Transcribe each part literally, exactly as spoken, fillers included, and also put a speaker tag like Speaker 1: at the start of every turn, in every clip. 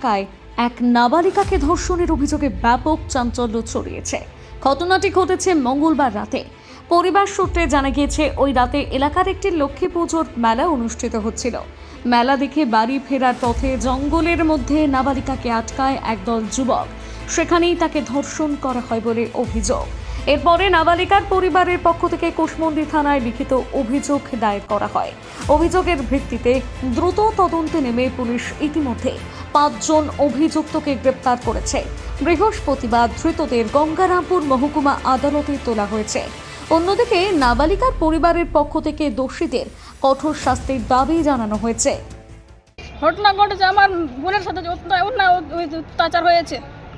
Speaker 1: এলাকায় এক নাবালিকাকে ধর্ষণের অভিযোগে ব্যাপক চাঞ্চল্য ছড়িয়েছে। ঘটনাটি ঘটেছে মঙ্গলবার রাতে। পরিবার সূত্রে জানা গিয়েছে, ওই রাতে এলাকার একটি লক্ষ্মী পুজোর মেলা অনুষ্ঠিত হচ্ছিল। মেলা দেখে বাড়ি ফেরার পথে জঙ্গলের মধ্যে নাবালিকাকে আটকায় একদল যুবক। সেখানেই তাকে ধর্ষণ করা হয় বলে অভিযোগ। এরপরে নাবালিকার পরিবারের পক্ষ থেকে কুশমন্ডি থানায় লিখিত অভিযোগ দায়ের করা হয়। অভিযোগের ভিত্তিতে দ্রুত তদন্তে নেমে পুলিশ ইতিমধ্যে পাঁচজন অভিযুক্তকে গ্রেপ্তার করেছে। বৃহস্পতিবার ধৃতদের গঙ্গারামপুর মহকুমা আদালতে তোলা হয়েছে। অন্যদিকে নাবালিকার পরিবারের পক্ষ থেকে দোষীদের কঠোর শাস্তির দাবি জানানো হয়েছে।
Speaker 2: ঘটনা ঘটেছে আমার বোনের সাথে অত্যাচার হয়েছে,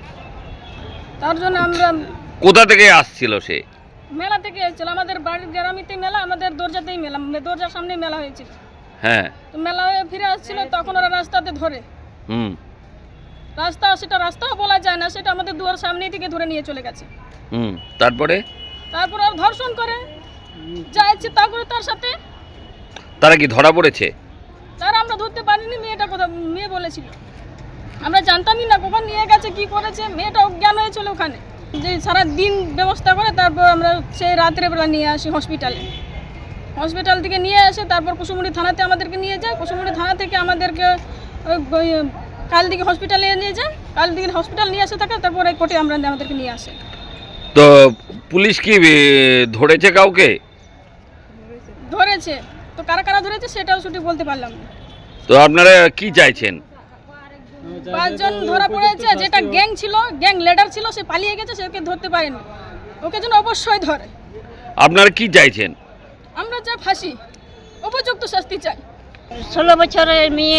Speaker 2: তার জন্য আমরা
Speaker 3: কোথা থেকে আসছিল সে?
Speaker 2: মেলা থেকে এসেছিল। আমাদের বাড়ির গ্রামিতে মেলা, আমাদের দরজাতেই মেলা, দরজার সামনেই মেলা হয়েছিল।
Speaker 3: হ্যাঁ,
Speaker 2: তো মেলা হয়ে ফিরে আসছিল, তখন ওরা রাস্তাতে ধরে
Speaker 3: হুম
Speaker 2: রাস্তা সেটা রাস্তাও বলা যায় না, সেটা আমাদের দুয়ার সামনেই থেকে ধরে নিয়ে চলে গেছে।
Speaker 3: হুম তারপরে
Speaker 2: তারপর আর ধর্ষণ করে যা ইচ্ছে তা করে তার সাথে।
Speaker 3: তারা কি ধরা পড়েছে?
Speaker 2: তারা আমরা ধরতে পারিনি। মেয়েটা কথা মেয়ে বলেছিল, আমরা জানতামই না কখন নিয়ে গেছে, কি করেছে। মেয়েটা অজ্ঞান হয়েছিল ওখানে, যে সারা দিন ব্যবস্থা করে তারপর আমরা সেই রাত্রেবেলা নিয়ে আসি হসপিটালে। হসপিটাল থেকে নিয়ে আসে তারপর কুসুমুড়ি থানাতে আমাদেরকে নিয়ে যায়। কুসুমুড়ি থানা থেকে আমাদেরকে কাল দিকে হসপিটালে নিয়ে যায়। কাল দিকে হসপিটাল নিয়ে আসে থাকে, তারপরে কোর্টে আমরা আমাদেরকে নিয়ে আসে।
Speaker 3: তো পুলিশ কি এ, ধরেছে কাউকে?
Speaker 2: ধরেছে, তো কারা কারা ধরেছে সেটাও সঠিক বলতে পারলাম না।
Speaker 3: তো আপনারা কি চাইছেন?
Speaker 2: পাঁচজন ধরা পড়েছে, যেটা গ্যাং ছিল, গ্যাং লিডার ছিল, সে পালিয়ে গেছে, সেকে ধরতে পারেনি। ওকে যেন অবশ্যই ধরে।
Speaker 3: আপনারা কি চাইছেন?
Speaker 2: আমরা যা ফাঁসি, উপযুক্ত শাস্তি চাই।
Speaker 4: ষোলো বছরের মেয়ে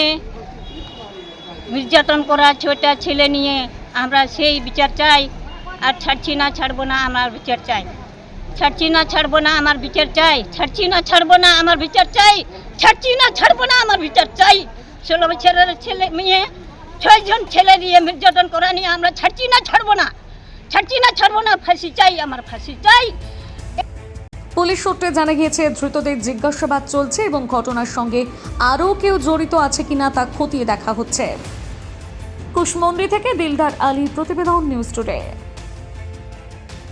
Speaker 4: নির্যাতন করা ছোটা ছেলে নিয়ে আমরা সেই বিচার চাই। আর ছাড়ছি না, ছাড়বো না, আমার বিচার চাই। ছাড়ছি না, ছাড়বো না, আমার বিচার চাই। ছাড়ছি না, ছাড়বো না, আমার বিচার চাই। ছাড়ছি না, ছাড়বো না, আমার বিচার চাই। ষোলো বছরের ছেলে মেয়ে, ছয়জন ছেলে দিয়ে নির্যাতন করা নিয়ে আমরা ছাড়ছি না, ছাড়বো না, ছাড়ছি না, ছাড়বো না, ফাঁসি চাই, আমার ফাঁসি চাই।
Speaker 1: পুলিশ সূত্রে জানা গিয়েছে, ধৃতদের জিজ্ঞাসাবাদ চলছে এবং ঘটনার সঙ্গে আরও কেউ জড়িত আছে কিনা তা খতিয়ে দেখা হচ্ছে। কুশমন্ডি থেকে দিলদার আলী, প্রতিবেদন, নিউজ টুডে।